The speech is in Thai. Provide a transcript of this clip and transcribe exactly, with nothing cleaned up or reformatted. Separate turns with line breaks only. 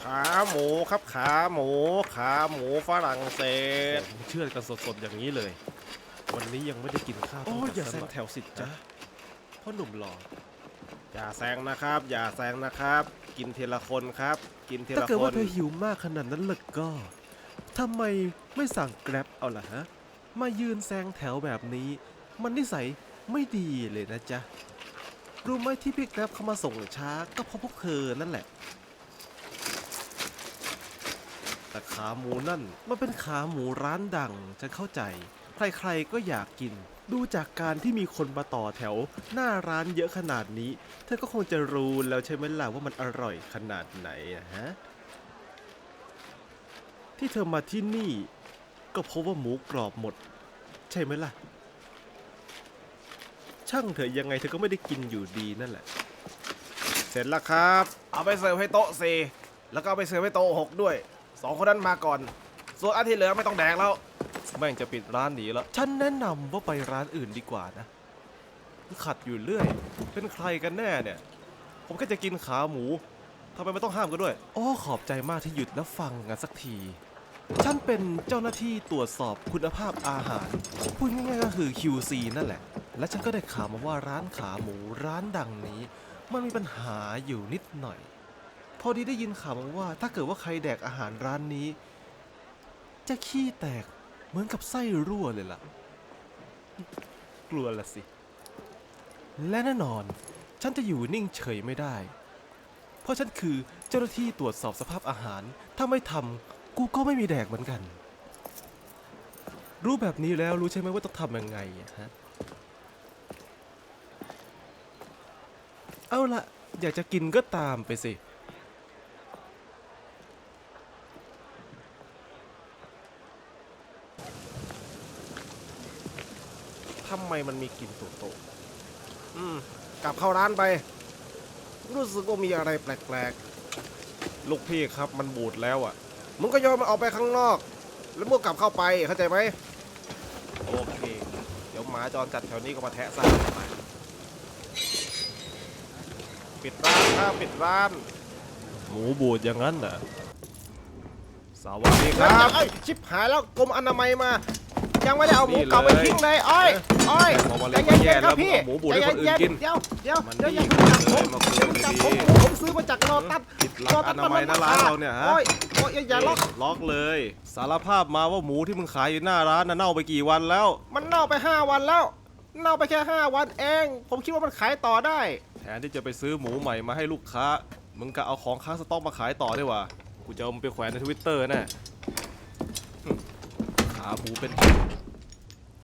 ขาหมูครับขาหมูขาหมูฝรั่งเศส
เชื่อกันสดๆอย่างนี้เลย วันนี้ยังไม่ได้กินข้าว
โอ้ยอย่าแซง
แถวสิจ้ะพ่อหนุ่มหล่อ
อย่าแซงนะครับ อย่าแซงนะครับ กินทีละคนครับ กินที
ถ้า
ละ
เกิด
ค
ว่าน เธอหิวมากขนาดนั้นเลยก็ทำไมไม่สั่งแกร็บเอาล่ะฮะมายืนแซงแถวแบบนี้ มันนิสัยไม่ดีเลยนะจ๊ะรู้ไหมที่พี่แกร็บเขามาส่งช้าก็เพราะพวกเธอนั่นแหละแต่ขาหมูนั่นมันเป็นขาหมูร้านดังฉันเข้าใจใครๆก็อยากกินดูจากการที่มีคนมาต่อแถวหน้าร้านเยอะขนาดนี้เธอก็คงจะรู้แล้วใช่ไหมล่ะว่ามันอร่อยขนาดไหนนะฮะที่เธอมาที่นี่ก็เพราะว่าหมูกรอบหมดใช่ไหมล่ะช่างเถอะยังไงเธอก็ไม่ได้กินอยู่ดีนั่นแหละ
เสร็จแล้วครับ เอาไปเสิร์ฟให้โต๊ะสี่แล้วก็เอาไปเสิร์ฟให้โต๊ะหกด้วยสองคนนั้นมาก่อน ส่วนอันที่เหลือไม่ต้องแดกแล้ว
แม่งจะปิดร้านหนีแล้วฉันแนะนำว่าไปร้านอื่นดีกว่านะขัดอยู่เรื่อยเป็นใครกันแน่เนี่ยผมแค่จะกินขาหมูทำไมไม่ต้องห้ามกันด้วยโอ้ขอบใจมากที่หยุดแล้วฟังกันสักทีฉันเป็นเจ้าหน้าที่ตรวจสอบคุณภาพอาหารพูดง่ายๆก็คือ คิว ซี นั่นแหละและฉันก็ได้ข่าวมาว่าร้านขาหมูร้านดังนี้มันมีปัญหาอยู่นิดหน่อยพอดีได้ยินข่าวมาว่าถ้าเกิดว่าใครแดกอาหารร้านนี้จะขี้แตกเหมือนกับไส้รั่วเลยล่ะกลัวละสิและแน่นอนฉันจะอยู่นิ่งเฉยไม่ได้เพราะฉันคือเจ้าหน้าที่ตรวจสอบสภาพอาหารถ้าไม่ทำกูก็ไม่มีแดกเหมือนกันรู้แบบนี้แล้วรู้ใช่ไหมว่าต้องทำยังไงฮะเอาละอยากจะกินก็ตามไปสิ
ทำไมมันมีกลิ่นโตๆอืมกลับเข้าร้านไป รู้สึกว่ามีอะไรแปลกๆ ลูกพี่ครับมันบูดแล้วอ่ะ มึงก็โยนมันออกไปข้างนอก แล้วมึงกลับเข้าไปเข้าใจไหมโอเค เดี๋ยวหมาจรจัดแถวนี้ก็มาแทะซ่าไปปิดร้านครับปิดร้าน
หมูบูดอย่างนั้นเหรอสวั
สวั
ส
ส
ดี
ดี
ค
ค
รั
รับ บชิบหายแล้วกรมอนามัยมา ยังไม่ได้เอาหมูเก่าไปทิ้งเลยอ้อยอ้อย
พอมา
ใจ
เล่น
เย็นๆครับพี่
หมูบูดให้คนอื่นกิน
เดี๋ยวเดี๋ยว
มัน
เดี๋ยวอย่า
ดี
เพิ่งจับผม
เลยมาคุย
เดี๋ยวจับผม
ดี
ผมซื้อมาจากโลตัส
ผิดหลักอนามัยนะร้านเราเนี่ยฮะ
โอ้ยโอ้ยอย่าอย่าล็อก
ล็อกเลย สารภาพมาว่าหมูที่มึงขายอยู่หน้าร้านน่ะเน่าไปกี่วันแล้ว
มันเน่าไปห้าวันแล้ว เน่าไปแค่ห้าวันเอง ผมคิดว่ามันขายต่อได้
แทนที่จะไปซื้อหมูใหม่มาให้ลูกค้า มึงก็เอาของค้างสต็อกมาขายต่อได้ว่ะกูจะเอามันไปแขวนในทวิตเตอร์แน่ขาหมูเป็น